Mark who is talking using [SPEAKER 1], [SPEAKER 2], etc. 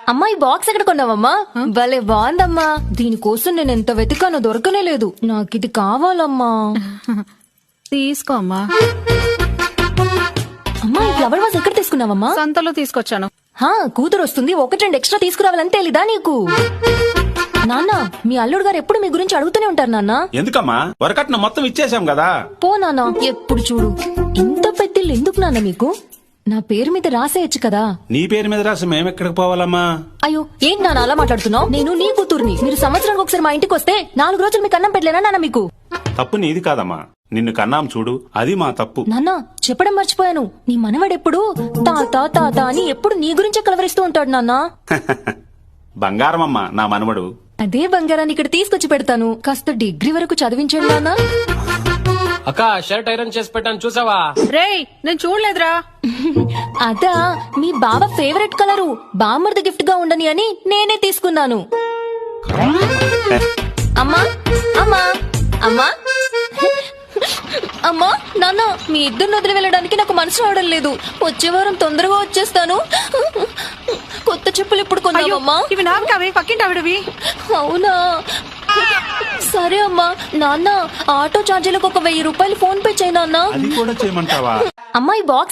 [SPEAKER 1] అమ్మా ఈ బాక్స్ ఎక్కడ కొన్నావమ్మా? భలే బాగుందమ్మా. దీనికోసం నేను ఎంత వెతికానో దొరకనే లేదు. నాకు ఇది కావాలమ్మా.
[SPEAKER 2] తీసుకో అమ్మా.
[SPEAKER 1] అమ్మా ఈ ఫ్లవర్ వాస్ ఎక్కడ తీసుకున్నావమ్మా?
[SPEAKER 2] సంతలో తీసుకొచ్చాను.
[SPEAKER 1] కూతురు వస్తుంది, ఒకటి రెండు ఎక్స్ట్రా తీసుకురావాలని తెలీదా నీకు? నాన్న మీ అల్లుడు గారు ఎప్పుడు మీ గురించి అడుగుతూనే ఉంటారు నాన్న.
[SPEAKER 3] ఎందుకమ్మా? వరకట్న మొత్తం ఇచ్చేసాం కదా.
[SPEAKER 1] పో నాన్న, ఎప్పుడు చూడు ఇంత పెద్దిల్లు ఎందుకు నాన్న మీకు? నా పేరు మీద రాసేయచ్చు కదా.
[SPEAKER 3] నీ పేరు మీద రాసి మేమెక్కడికి పోవాలమ్మా?
[SPEAKER 1] అయ్యో ఏంటి నాన్న అలా మాట్లాడుతున్నావు? నేను నీ కూతుర్ని. మీరు సంవత్సరానికి ఒకసారి మా ఇంటికి వస్తే 4 రోజులు మీకు అన్నం పెట్టలేనా నాన్న మీకు?
[SPEAKER 3] తప్పు నీది కాదమ్మా, నిన్ను కన్నాం చూడు, అది మా తప్పు.
[SPEAKER 1] నాన్న చెప్పడం మర్చిపోయాను, నీ మనవడెప్పుడు తాత తాత అని ఎప్పుడు నీ గురించే కలవరిస్తూ ఉంటాడు నాన్న.
[SPEAKER 3] బంగారమమ్మా నా మనవడు.
[SPEAKER 1] అదే బంగారాన్ని ఇక్కడ తీసుకొచ్చి పెడతాను. కాస్త డిగ్రీ వరకు చదివించండి నాన్న.
[SPEAKER 4] అక్క షర్ట్ ఐరన్ చేసి పెట్టాను చూసావా?
[SPEAKER 2] రేయ్ నేను చూడలేదురా.
[SPEAKER 1] అదా మీ బావ ఫేవరెట్ కలరు, బామ్మర్ది గిఫ్ట్ గా ఉండని అని నేనే తీసుకున్నాను. అమ్మా అమ్మా అమ్మా అమ్మా నాన్న మీ ఇద్దరిని వదిలి వెళ్ళడానికి నాకు మనసు రావడం లేదు. వచ్చే వారం తొందరగా వచ్చేస్తాను. కొత్త చెప్పులు ఎప్పుడు కొన్నావమ్మా?
[SPEAKER 2] ఇవి నావి కావే, పక్కింటి ఆవిడవి.
[SPEAKER 1] అవునా సరే అమ్మా. నాన్న ఆటో ఛార్జీలకు ఒక 1000 రూపాయలు ఫోన్ పే చేయి నాన్న.
[SPEAKER 3] అది కూడా చేయమంటావా?
[SPEAKER 1] అమ్మా ఈ బాక్స్